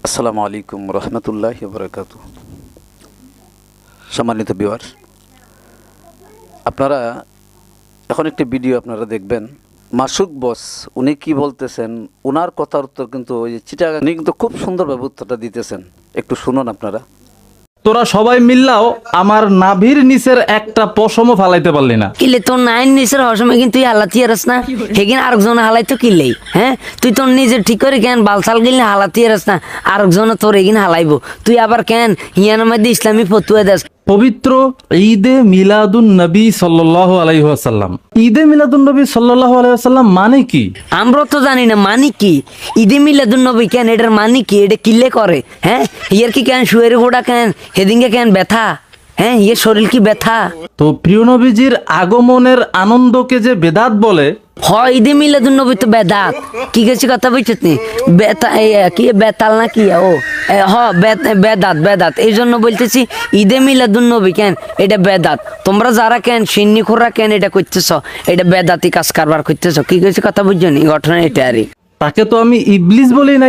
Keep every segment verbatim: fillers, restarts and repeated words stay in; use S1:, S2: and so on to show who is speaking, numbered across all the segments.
S1: আসসালামু আলাইকুম রহমতুল্লাহি ওয়া বারাকাতুহু। সম্মানিত ভিউয়ার্স, আপনারা এখন একটি ভিডিও আপনারা দেখবেন। মাসুক বস উনি কি বলতেছেন, ওনার কথার উত্তর কিন্তু ওই যে চিটাগাং উনি কিন্তু খুব সুন্দরভাবে উত্তরটা দিতেছেন। একটু শুনুন আপনারা।
S2: তোরা সবাই মিললাও আমার নাভির নিচের একটা পশমও ফালাইতে পারলি না।
S3: কিলে তোর নাইন নিচের হসময় কিন্তু তুই হালাতি আরস না, হেগিন আরেকজন হালাই তো কিলেই। হ্যাঁ, তুই তোর নিজের ঠিক করে কেন বালসাল গিলে হালাতি আরস না, আরেকজন তোর এগিন হালাইবো। তুই আবার কেন হিয়ানোর মধ্যে ইসলামী ফতুয়া দেস।
S2: পবিত্র ঈদে মিলাদুন নবী সাল্লাল্লাহু আলাইহি ওয়াসাল্লাম, ঈদে মিলাদুন নবী সাল্লাল্লাহু আলাইহি ওয়াসাল্লাম মানে কি?
S3: আমরা তো জানি না মানে কি। ঈদে মিলাদুন নবী কেন, এটার মানে কি, এটা কিলে করে? হ্যাঁ, হিয়ার কি কেন শুয়ের গোড়া কেন, হেদিনকে কেন ব্যথা? হ্যাঁ, ইয়ে শরীর কি ব্যথা?
S2: তো প্রিয় নবীজির আগমনের আনন্দকে যে বেদাত বলে,
S3: হয় ঈদে মিলাদুন নবী তো বেদাত। কি গেছি কথা বুঝছিস নি? বেতা এই কি বেতাল না কি ও এ, হ বে- বেদাত বেদাত এই জন্য বলতেছি ঈদে মিলাদুন নবী কেন এটা বেদাত। তোমরা যারা কেন সিন্নি খোরা কেন এটা করতেছ, এটা বেদাতি কাজ কারবার করতেছ। কি গেছি কথা বুঝছো নি? ঘটনা এটা আরই।
S2: তাকে তো আমি ইবলিস বলি নাই,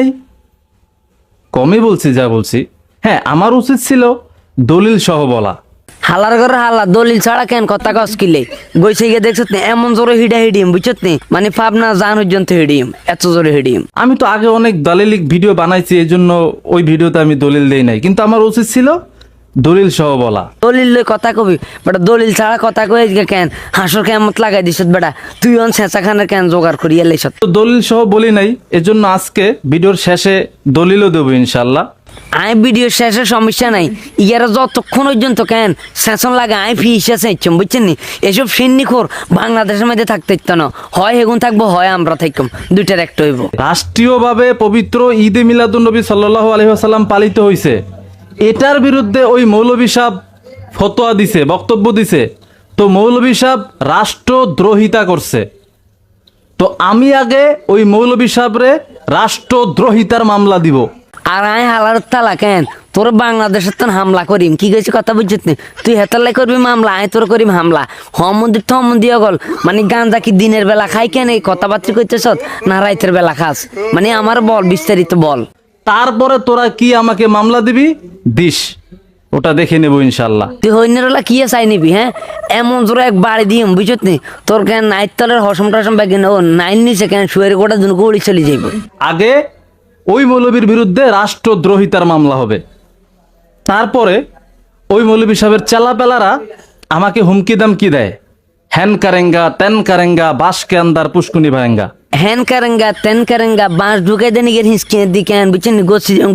S2: কমই বলছি যা বলছি। হ্যাঁ, আমার উচিত ছিল দলিল সহ বলা।
S3: হালার ঘরে হালা দলিল ছাড়া কেন কথা কস কিলে গইছে গিয়ে দেখছত নি এমন জোরে হিডা হিডিম বুঝছত নি, মানে পাবনা জান পর্যন্ত হিডিম, এত জোরে হিডিম।
S2: আমি তো আগে অনেক দালিলিক ভিডিও বানাইছি, এই জন্য ওই ভিডিওতে আমি দলিল দেই নাই, কিন্তু আমার উচিত ছিল দলিল সহ বলা।
S3: দলিল লই কথা কবি বেটা, দলিল ছাড়া কথা কই কেন হাসর কেমত লাগাই দিছ বেটা। তুই অন ছেঁচা খানের কেন জোগাড় করিয়া লাইছ।
S2: তো দলিল সহ বলি নাই, এজন্য আজকে ভিডিওর শেষে দলিলও দেবো ইনশাল্লাহ।
S3: আই ভিডিও শেষে সমস্যা নাই, ইয়ারা যতক্ষণ পর্যন্ত কেন সেশন লাগে আই ফি হিসেবে ইচ্ছম বুঝছেন নি। এসব সিন্নি খোর বাংলাদেশের মধ্যে থাকতে ইচ্ছ না, হয় হেগুন থাকবো হয় আমরা থাকম, দুইটার একটা হইব।
S2: রাষ্ট্রীয়ভাবে পবিত্র ঈদে মিলাদুন্নবী সাল্লাল্লাহু আলাইহি ওয়াসাল্লাম পালিত হয়েছে, এটার বিরুদ্ধে ওই মৌলভী সাহেব ফতোয়া দিছে, বক্তব্য দিছে। তো মৌলভী সাহেব রাষ্ট্রদ্রোহিতা করছে। তো আমি আগে ওই মৌলভী সাহেবরে রাষ্ট্রদ্রোহিতার মামলা দিব।
S3: আর আই হালার তালা কেন তোর বাংলাদেশের তো হামলা করিম। কি গেছি কথা বুঝছিস নি? তুই হেতালাই করবি মামলা, আয় তোর করিম হামলা। হমন্দির তো হমন্দিয়া গল, মানে গাঁজা কি দিনের বেলা খাই কেন এই কথাবার্তা করতেছ না রাইতের বেলা খাস? মানে আমার বল, বিস্তারিত বল।
S2: তারপরে তোরা কি আমাকে মামলা দিবি দিস, ওটা দেখে নেব ইনশাল্লাহ।
S3: তুই হইনেরলা কি চাই নিবি? হ্যাঁ, এমন জোরে এক বাড়ি দিম বুঝত নি তোর কেন নাইট তলের হসম টসম ব্যাগে ও নাইন নিচে কেন শুয়ের গোটা দুন গড়ি চলে যাইব।
S2: আগে ওই মৌলবীর বিরুদ্ধে রাষ্ট্রদ্রোহিতার মামলা হবে, তারপরে ওই মৌলবী সাহেবের চেলাপেলারা আমাকে হুমকি দামকি দেয়, হ্যান কারেঙ্গা তেন কারেঙ্গা বাস কে আন্দার পুষ্কুনি ভারেঙ্গা।
S3: হ্যান কারেঙ্গা তেন কারেঙ্গা বাঁশ ঢুকাই দেন গিয়ে হিসকে দিকে বুঝছেন গোছি